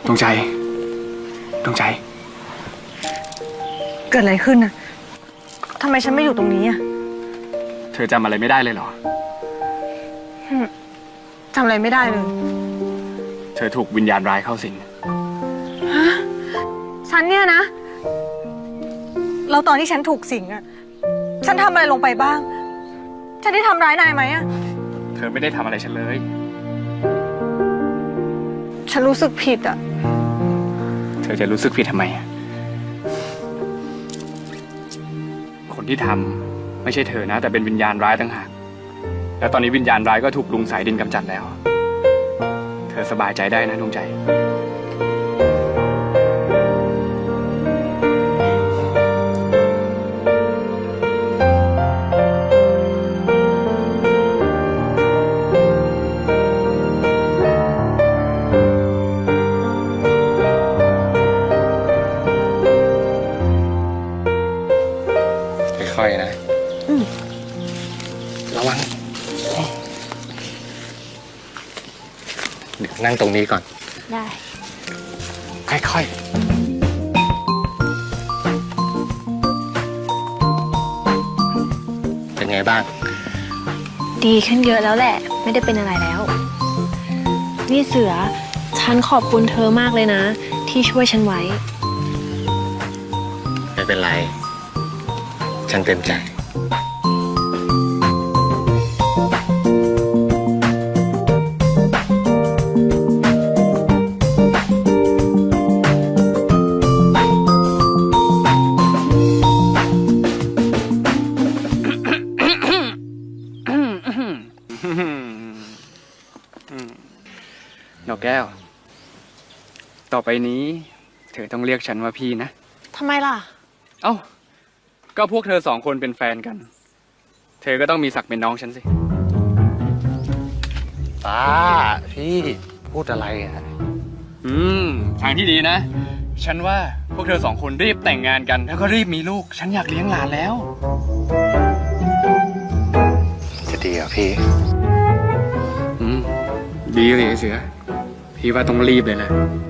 ดวงใจเกิดอะไรขึ้นน่ะทำไมฉันไม่อยู่ตรงนี้อ่ะเธอจำอะไรไม่ได้เลยเหรอจำอะไรไม่ได้เลยเธอถูกวิญญาณร้ายเข้าสิงฉันเนี่ยนะแล้วตอนที่ฉันถูกสิงอ่ะฉันทำอะไรลงไปบ้างฉันได้ทำร้ายนายไหมอ่ะเธอไม่ได้ทำอะไรฉันเลยฉันรู้สึกผิดอ่ะเธอจะรู้สึกผิดทำไมอ่ะคนที่ทำไม่ใช่เธอนะแต่เป็นวิญญาณร้ายต่างหากแล้วตอนนี้วิญญาณร้ายก็ถูกลุงสายดินกำจัดแล้วเธอสบายใจได้นะดวงใจค่อยๆนะระวังเดี๋ยวนั่งตรงนี้ก่อนได้ค่อยๆเป็นไงบ้างดีขึ้นเยอะแล้วแหละไม่ได้เป็นอะไรแล้วนี่เสือฉันขอบคุณเธอมากเลยนะที่ช่วยฉันไว้ไม่เป็นไรฉันเต็มใจดอกแก้วต่อไปนี้เธอต้องเรียกฉันว่าพี่นะทำไมล่ะเอ้าก็พวกเธอ2 คนเป็นแฟนกันเธอก็ต้องมีศักดิ์เป็นน้องฉันสิป้าพี่พูดอะไรอ่ะทางที่ดีนะฉันว่าพวกเธอ2 คนรีบแต่งงานกันแล้วก็รีบมีลูกฉันอยากเลี้ยงหลานแล้วจะดีเหรอพี่ดีเลยเสือพี่ว่าต้องรีบเลยแหละ